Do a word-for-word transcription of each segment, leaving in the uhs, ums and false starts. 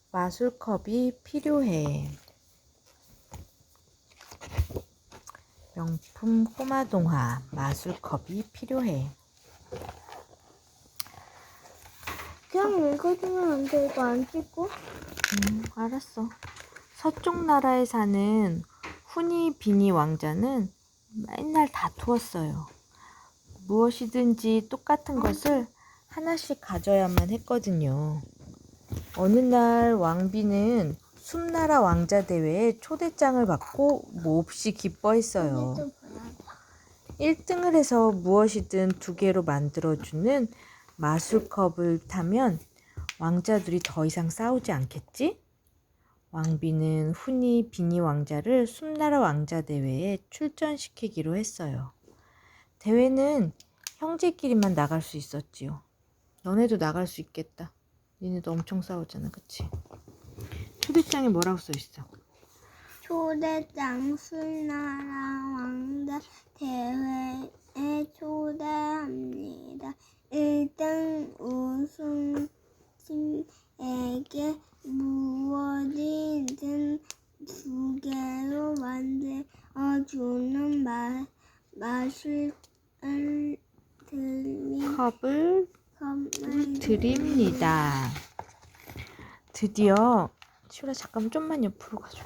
마술컵이 필요해. 명품 꼬마 동화 마술컵이 필요해. 그냥 읽어주면 안 돼? 이거 안 찍고? 음, 알았어. 서쪽 나라에 사는 후니 비니 왕자는 맨날 다투었어요. 무엇이든지 똑같은 것을 하나씩 가져야만 했거든요. 어느 날 왕비는 숲나라 왕자 대회에 초대장을 받고 몹시 기뻐했어요. 일 등을 해서 무엇이든 두 개로 만들어주는 마술컵을 타면 왕자들이 더 이상 싸우지 않겠지? 왕비는 후니 비니 왕자를 숲나라 왕자 대회에 출전시키기로 했어요. 대회는 형제끼리만 나갈 수 있었지요. 너네도 나갈 수 있겠다. 니네도 엄청 싸우잖아, 그치? 초대장에 뭐라고 써있어? 초대장 숲나라 왕자 대회에 초대합니다. 일 등 우승팀에게 무엇이든 두 개로 만들어주는 마, 마술을 드리, 컵을 컵을 드립니다. 드디어 시우라 잠깐만 좀만 옆으로 가줘.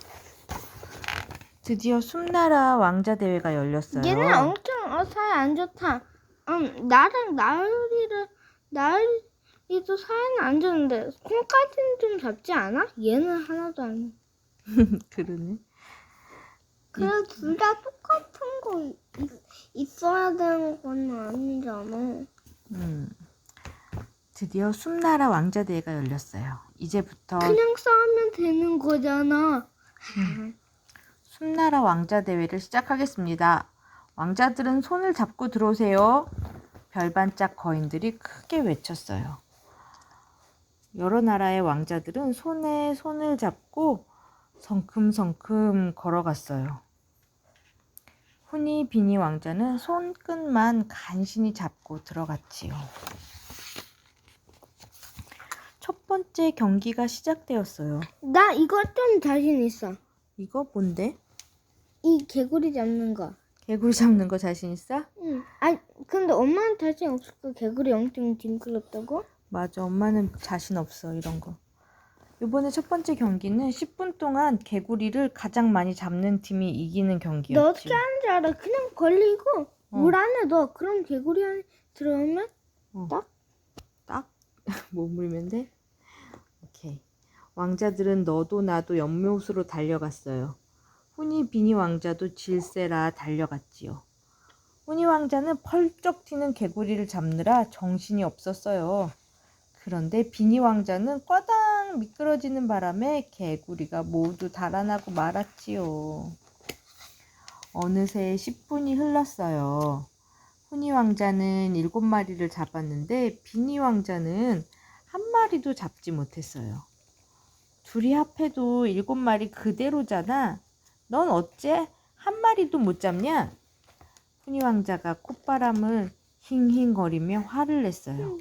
드디어 숲나라 왕자 대회가 열렸어요. 얘는 엄청 어, 사이 안 좋다. 음, 나랑 나으리를 나으리도 사이는 안 좋은데 콩까지는 좀 잡지 않아? 얘는 하나도 안. 그러네. 그래 둘 다 똑같은 거 있, 있어야 되는 건 아니잖아. 음, 드디어 숲나라 왕자 대회가 열렸어요. 이제부터 그냥 싸우면 되는 거잖아. 음, 숲나라 왕자 대회를 시작하겠습니다. 왕자들은 손을 잡고 들어오세요. 별반짝 거인들이 크게 외쳤어요. 여러 나라의 왕자들은 손에 손을 잡고 성큼성큼 걸어갔어요. 후니 비니 왕자는 손끝만 간신히 잡고 들어갔지요. 첫 번째 경기가 시작되었어요. 나 이거 좀 자신 있어. 이거 뭔데? 이 개구리 잡는 거. 개구리 잡는 거 자신 있어? 응. 아니 근데 엄마는 자신 없을 거. 개구리 엄청 징그럽다고? 맞아, 엄마는 자신 없어 이런 거. 이번에 첫 번째 경기는 십 분 동안 개구리를 가장 많이 잡는 팀이 이기는 경기였지. 너 어떻게 하는지 알아? 그냥 걸리고 어. 물 안에 넣어. 그럼 개구리 안에 들어오면 어. 딱? 딱? 뭐 물면 돼? 오케이. 왕자들은 너도 나도 연못으로 달려갔어요. 후니 비니 왕자도 질세라 달려갔지요. 후니 왕자는 펄쩍 튀는 개구리를 잡느라 정신이 없었어요. 그런데 비니 왕자는 꽈당 미끄러지는 바람에 개구리가 모두 달아나고 말았지요. 어느새 십 분이 흘렀어요. 후니 왕자는 일곱 마리를 잡았는데 비니 왕자는 한 마리도 잡지 못했어요. 둘이 합해도 일곱 마리 그대로잖아. 넌 어째 한 마리도 못 잡냐? 후니 왕자가 콧바람을 힝힝거리며 화를 냈어요.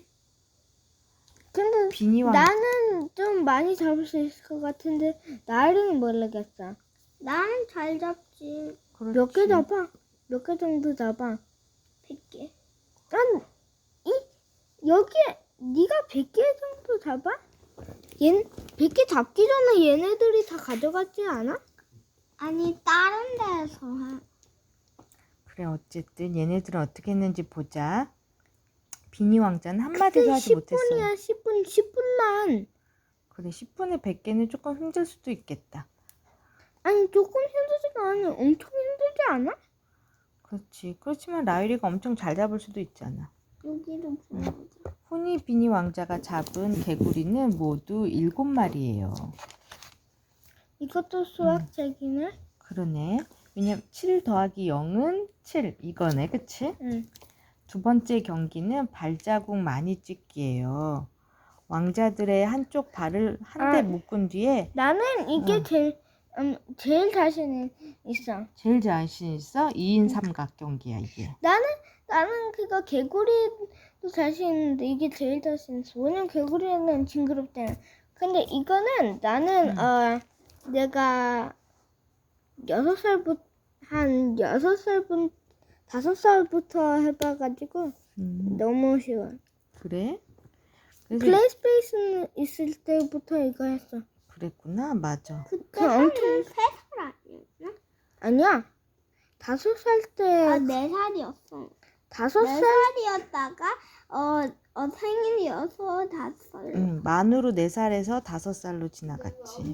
근데 비니 왕 나는 좀 많이 잡을 수 있을 것 같은데 나리는 모르겠어. 나는 잘 잡지. 몇 개 잡아? 몇 개 정도 잡아? 백 개. 난 이 여기에 네가 백 개 정도 잡아? 얘 백 개 잡기 전에 얘네들이 다 가져갔지 않아? 아니 다른 데서 해. 그래, 어쨌든 얘네들은 어떻게 했는지 보자. 비니 왕자는 한마디도 하지 못했어요. 십 분이야 십 분 십 분만. 그래, 십 분에 백 개는 조금 힘들 수도 있겠다. 아니 조금 힘들지가 않아. 엄청 힘들지 않아? 그렇지. 그렇지만 라유리가 엄청 잘 잡을 수도 있잖아. 여기도 보자. 후니 비니 왕자가 잡은 개구리는 모두 일곱 마리예요. 이것도 수학책이네. 그러네. 왜냐면 칠 더하기 영은 칠 이거네, 그치? 응. 두 번째 경기는 발자국 많이 찍기예요. 왕자들의 한쪽 발을 한 대 아. 묶은 뒤에 나는 이게 응. 제일 음, 제일 자신 있어. 제일 자신 있어? 이 인 삼각 경기야, 이게. 나는 나는 그거 개구리도 자신 있는데 이게 제일 자신 있어. 왜냐면 개구리는 징그럽잖아. 근데 이거는 나는 음. 어 내가 여섯 살부터 한 여섯 살부터 다섯 살부터 해봐가지고 음, 너무 쉬워. 그래? 그래서 플레이 스페이스는 있을 때부터 이거 했어. 그랬구나. 맞아. 그때 엄청 세 살 아니었나? 아니야. 다섯 살 때. 아, 네 살이었어. 다섯 네 살. 살이었다가 어, 어 생일이어서 다섯 살. 응, 만으로 네 살에서 다섯 살로 지나갔지.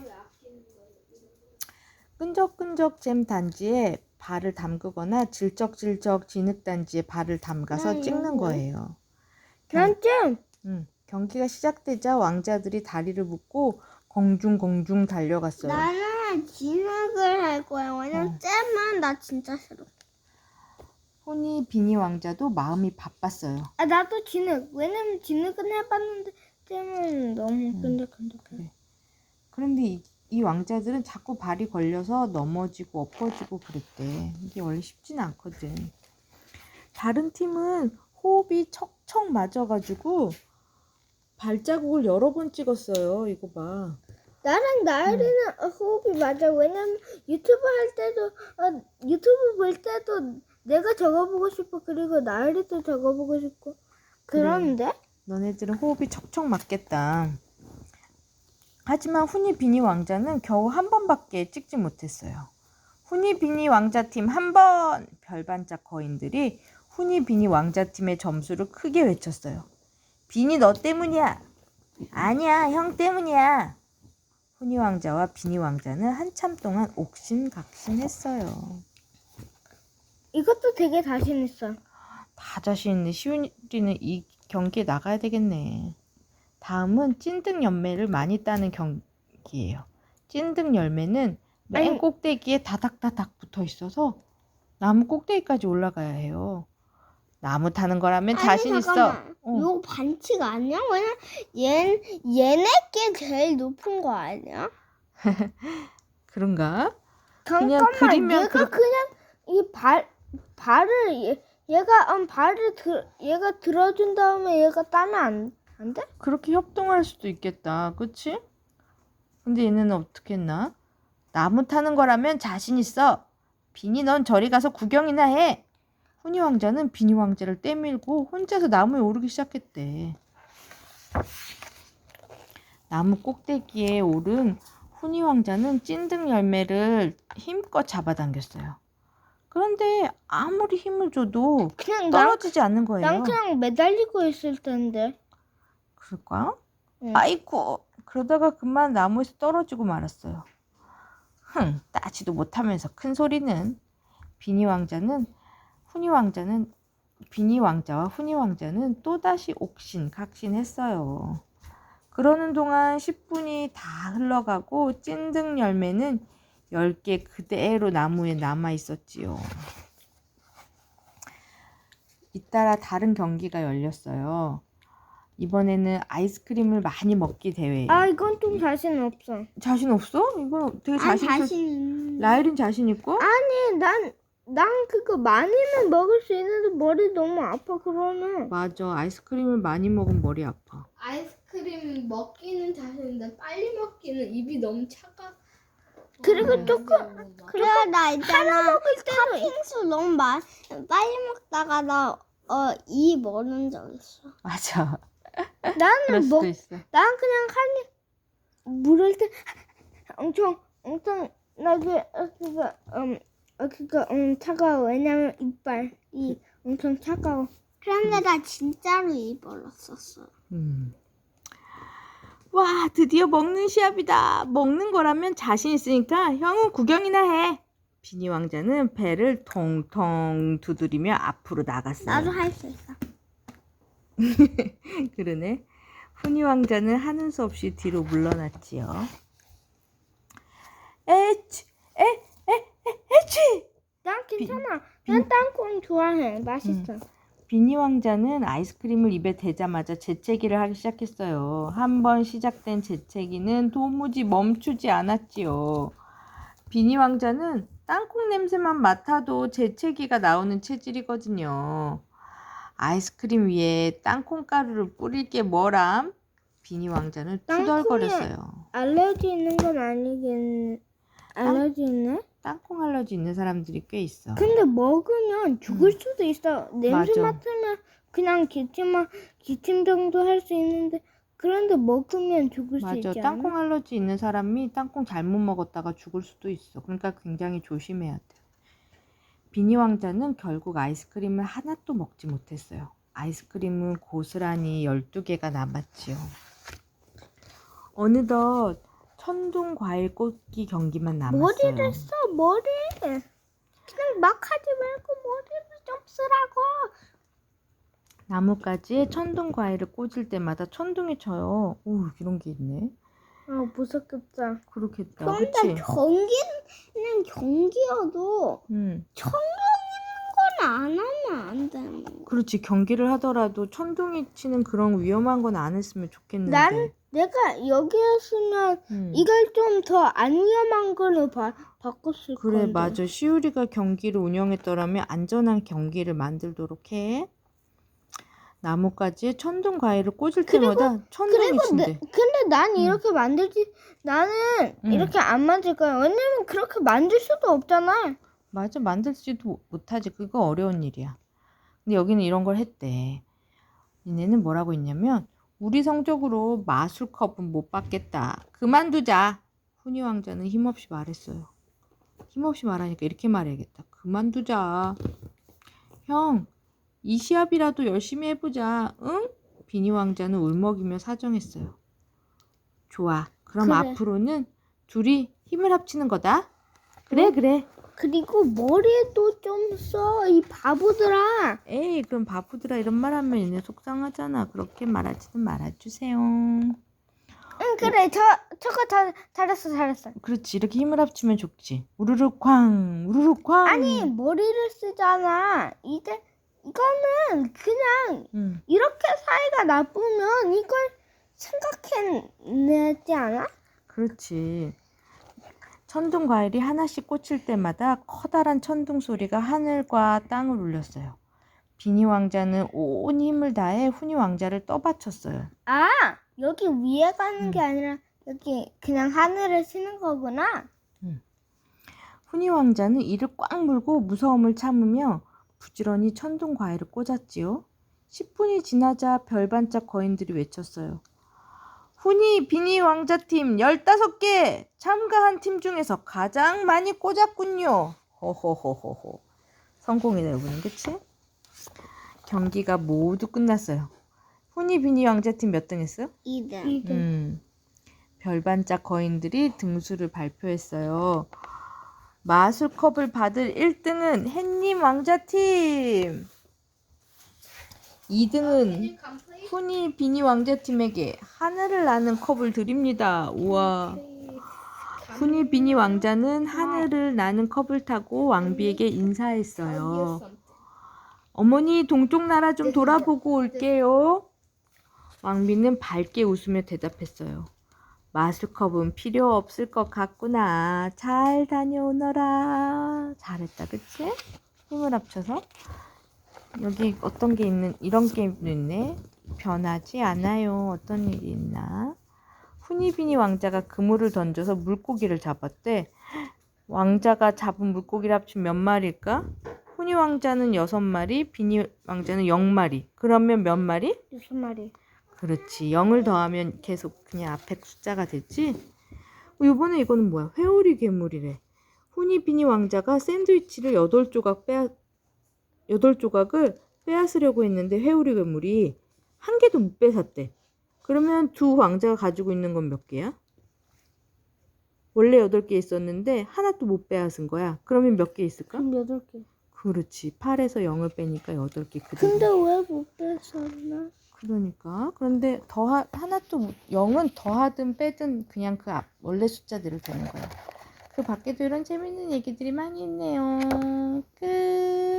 끈적끈적 잼 단지에 발을 담그거나 질적질적 진흙 단지에 발을 담가서 나 찍는 이거 거예요. 난 잼. 응, 경기가 시작되자 왕자들이 다리를 묶고 공중공중 달려갔어요. 나는 진흙을 할 거야. 왜냐면 어. 잼은 나 진짜 싫어. 호니 비니 왕자도 마음이 바빴어요. 아 나도 진흙. 왜냐면 진흙은 해봤는데 잼은 너무 끈적끈적해. 그래. 그런데 이, 이 왕자들은 자꾸 발이 걸려서 넘어지고 엎어지고 그랬대. 이게 원래 쉽지는 않거든. 다른 팀은 호흡이 척척 맞아가지고 발자국을 여러 번 찍었어요. 이거 봐. 나랑 나일이는 어, 호흡이 맞아. 왜냐면 유튜브 할 때도 어, 유튜브 볼 때도 내가 적어보고 싶어. 그리고 나일이도 적어보고 싶고. 그런데 너네들은 호흡이 척척 맞겠다. 하지만 후니 비니 왕자는 겨우 한 번밖에 찍지 못했어요. 후니 비니 왕자팀 한 번! 별반짝 거인들이 후니 비니 왕자팀의 점수를 크게 외쳤어요. 비니 너 때문이야. 아니야, 형 때문이야. 후니 왕자와 비니 왕자는 한참 동안 옥신각신했어요. 이것도 되게 자신 있어. 다 자신 있는 시윤이는 이 경기에 나가야 되겠네. 다음은 찐득 열매를 많이 따는 경기예요. 찐득 열매는 맨 아니. 꼭대기에 다닥다닥 붙어 있어서 나무 꼭대기까지 올라가야 해요. 나무 타는 거라면 자신 있어. 어. 이거 반칙 아니야? 왜냐면 얘 얘네 게 제일 높은 거 아니야? 그런가? 잠깐만. 그리면 얘가 그렇- 그냥 이 발 발을 얘, 얘가 음, 발을 들 얘가 들어준 다음에 얘가 따면 안, 안 돼? 그렇게 협동할 수도 있겠다. 그치? 근데 얘네는 어떻게 했나? 나무 타는 거라면 자신 있어. 비니 넌 저리 가서 구경이나 해. 후니 왕자는 비니 왕자를 떼밀고 혼자서 나무에 오르기 시작했대. 나무 꼭대기에 오른 후니 왕자는 찐득 열매를 힘껏 잡아당겼어요. 그런데 아무리 힘을 줘도 그냥 난, 떨어지지 않는 거예요. 난 그냥 매달리고 있을 텐데. 그럴까? 응. 아이고, 그러다가 그만 나무에서 떨어지고 말았어요. 흥, 따지도 못하면서 큰 소리는. 비니 왕자는 후니 왕자는 비니 왕자와 후니 왕자는 또다시 옥신각신했어요. 그러는 동안 십 분이 다 흘러가고 찐득 열매는 열 개 그대로 나무에 남아 있었지요. 잇따라 다른 경기가 열렸어요. 이번에는 아이스크림을 많이 먹기 대회. 아 이건 좀 자신 없어. 자신 없어? 이거 되게 난 자신 있어. 자신. 라일은 자신 있고? 아니 난 난 그거 많이는 먹을 수 있는데 머리 너무 아파 그러면. 맞아. 아이스크림을 많이 먹으면 머리 아파. 아이스크림 먹기는 자신인데 빨리 먹기는 입이 너무 차가. 그리고 조금 그래 나 있잖아. 먹을 때도 팥빙수 너무 많 빨리 먹다가 나어이 멀은 적 있어. 맞아. 그럴 나는 수도 먹 있어. 난 그냥 한입 물을 때 엄청 엄청 나게 어, 그거 음 어, 그거 음 차가워. 왜냐면 이빨이 엄청 차가워. 그런데 나 진짜로 이 멀었었어. 음. 와, 드디어 먹는 시합이다. 먹는 거라면 자신 있으니까 형은 구경이나 해. 비니 왕자는 배를 통통 두드리며 앞으로 나갔어요. 나도 할 수 있어. 그러네. 후니 왕자는 하는 수 없이 뒤로 물러났지요. 에치, 에, 에, 에, 에치! 난 괜찮아. 비- 난 땅콩 좋아해. 맛있어. 비니 왕자는 아이스크림을 입에 대자마자 재채기를 하기 시작했어요. 한 번 시작된 재채기는 도무지 멈추지 않았지요. 비니 왕자는 땅콩 냄새만 맡아도 재채기가 나오는 체질이거든요. 아이스크림 위에 땅콩 가루를 뿌릴 게 뭐람? 비니 왕자는 땅콩에 투덜거렸어요. 알러지 있는 건 아니겠네. 알러지 있네? 땅콩 알러지 있는 사람들이 꽤 있어. 근데 먹으면 죽을 음. 수도 있어. 냄새 맞아. 맡으면 그냥 기침만 기침 정도 할 수 있는데 그런데 먹으면 죽을 수 맞아. 있지 땅콩 않아? 알러지 있는 사람이 땅콩 잘못 먹었다가 죽을 수도 있어. 그러니까 굉장히 조심해야 돼. 비니 왕자는 결국 아이스크림을 하나도 먹지 못했어요. 아이스크림은 고스란히 열두 개가 남았지요. 어느덧 천둥 과일 꽂기 경기만 남았어요. 머리를 써 머리. 그냥 막 하지 말고 머리를 좀 쓰라고. 나뭇가지에 천둥 과일을 꽂을 때마다 천둥이 쳐요. 오, 이런 게 있네. 아 무섭겠다. 그렇겠다. 그런데 그치? 경기는 경기여도 음, 건 안 하면 안 되는 거. 그렇지. 경기를 하더라도 천둥이 치는 그런 위험한 건 안 했으면 좋겠는데. 난 내가 여기였으면 음. 이걸 좀 더 안 위험한 걸로 바, 바꿨을 그래, 건데. 맞아. 시우리가 경기를 운영했더라면 안전한 경기를 만들도록 해. 나뭇가지에 천둥 과일을 꽂을 때마다 천둥이 그리고 친대. 내, 근데 난 음. 이렇게 만들지 나는 음. 이렇게 안 만들 거야. 왜냐면 그렇게 만들 수도 없잖아. 맞아, 만들지도 못하지. 그거 어려운 일이야. 근데 여기는 이런 걸 했대. 얘네는 뭐라고 했냐면 우리 성적으로 마술컵은 못 받겠다. 그만두자. 훈이 왕자는 힘없이 말했어요. 힘없이 말하니까 이렇게 말해야겠다. 그만두자. 형, 이 시합이라도 열심히 해보자. 응? 비니 왕자는 울먹이며 사정했어요. 좋아. 그럼 그래. 앞으로는 둘이 힘을 합치는 거다. 그래, 그래. 그리고 머리도 좀 써. 이 바보들아. 에이, 그럼 바보들아 이런 말 하면 얘네 속상하잖아. 그렇게 말하지는 말아주세요. 응 그래. 저 저거 다 잘했어 잘했어. 그렇지. 이렇게 힘을 합치면 좋지. 우르르 쾅, 우르르 쾅. 아니 머리를 쓰잖아. 이제 이거는 그냥 응. 이렇게 사이가 나쁘면 이걸 생각해내지 않아? 그렇지. 천둥 과일이 하나씩 꽂힐 때마다 커다란 천둥 소리가 하늘과 땅을 울렸어요. 비니 왕자는 온 힘을 다해 훈이 왕자를 떠받쳤어요. 아 여기 위에 가는 게 음. 아니라 여기 그냥 하늘을 치는 거구나. 훈이 왕자는 이를 꽉 물고 무서움을 참으며 부지런히 천둥 과일을 꽂았지요. 십 분이 지나자 별반짝 거인들이 외쳤어요. 훈이 비니 왕자팀 열다섯 개 참가한 팀 중에서 가장 많이 꽂았군요. 호호호호호. 성공이다 여러분, 그치? 경기가 모두 끝났어요. 훈이 비니 왕자팀 몇 등 했어요? 이 등. 음, 별반짝 거인들이 등수를 발표했어요. 마술컵을 받을 일 등은 햇님 왕자팀, 이 등은 훈이 비니 왕자팀에게 하늘을 나는 컵을 드립니다. 우와. 훈이 비니 왕자는 하늘을 나는 컵을 타고 왕비에게 인사했어요. 어머니 동쪽 나라 좀 돌아보고 올게요. 왕비는 밝게 웃으며 대답했어요. 마술컵은 필요 없을 것 같구나. 잘 다녀오너라. 잘했다, 그치? 힘을 합쳐서. 여기 어떤 게 있는, 이런 게임도 있네. 변하지 않아요. 어떤 일이 있나? 후니비니 왕자가 그물을 던져서 물고기를 잡았대. 왕자가 잡은 물고기를 합치면 몇 마리일까? 후니 왕자는 여섯 마리, 비니 왕자는 영 마리. 그러면 몇 마리? 여섯 마리. 그렇지. 영을 더하면 계속 그냥 앞에 숫자가 됐지? 이번에 이거는 뭐야? 회오리 괴물이래. 후니비니 왕자가 샌드위치를 여덟 조각 빼앗, 여덟 조각을 빼앗으려고 했는데 회오리 괴물이 한 개도 못 뺏었대. 그러면 두 왕자가 가지고 있는 건 몇 개야? 원래 여덟 개 있었는데 하나도 못 빼앗은 거야. 그러면 몇 개 있을까? 그럼 여덟 개. 그렇지. 팔에서 영을 빼니까 여덟 개 그대로. 근데 왜 못 뺐었나? 그러니까. 그런데 더 하나도 영은 더하든 빼든 그냥 그 앞, 원래 숫자대로 되는 거야. 그 밖에도 이런 재밌는 얘기들이 많이 있네요. 끝.